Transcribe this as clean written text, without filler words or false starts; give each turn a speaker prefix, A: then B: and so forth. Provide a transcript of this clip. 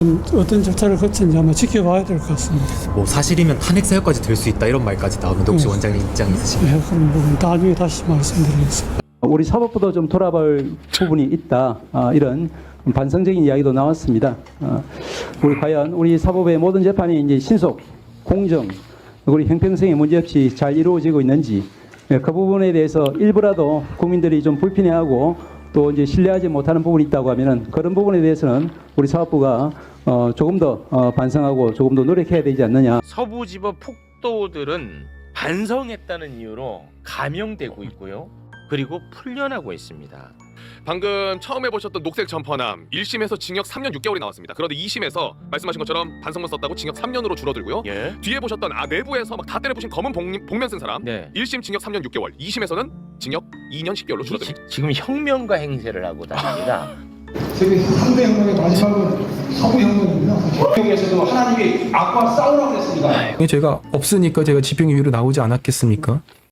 A: 어떤 절차를 거치는지 한번 지켜봐야 될 것 같습니다.
B: 뭐 사실이면 탄핵 사유까지 될 수 있다 이런 말까지 나오는데 혹시 원장님 입장 있으신가요?
A: 네, 그런 부분 나중에 다시 말씀드리겠습니다.
C: 우리 사법부도 좀 돌아볼 부분이 있다. 이런 반성적인 이야기도 나왔습니다. 우리 과연 우리 사법의 모든 재판이 이제 신속, 공정, 우리 형평성에 문제없이 잘 이루어지고 있는지 그 부분에 대해서 일부라도 국민들이 좀 불편해하고 또 이제 신뢰하지 못하는 부분이 있다고 하면은 그런 부분에 대해서는 우리 사법부가 조금 더 반성하고 조금 더 노력해야 되지 않느냐.
D: 서부지법 폭도들은 반성했다는 이유로 감형되고 있고요. 그리고 풀려나고 있습니다.
E: 방금 처음 해보셨던 녹색 점퍼남 1심에서 징역 3년 6개월이 나왔습니다. 그런데 2심에서 말씀하신 것처럼 반성문 썼다고 징역 3년으로 줄어들고요.
D: 예.
E: 뒤에 보셨던 내부에서 막 다 때려부신 검은 복면 쓴 사람
D: 네.
E: 1심 징역 3년 6개월 2심에서는 징역 2년 10개월로 줄어듭니다.
D: 지금 혁명가 행세를 하고 다닙니다.
F: 세계 3대 혁명의 마지막은 서부혁명입니다. 혁명에서도 하나님이 악과 싸우라고 했습니다.
G: 제가 없으니까 제가 집행유예로 나오지 않았겠습니까?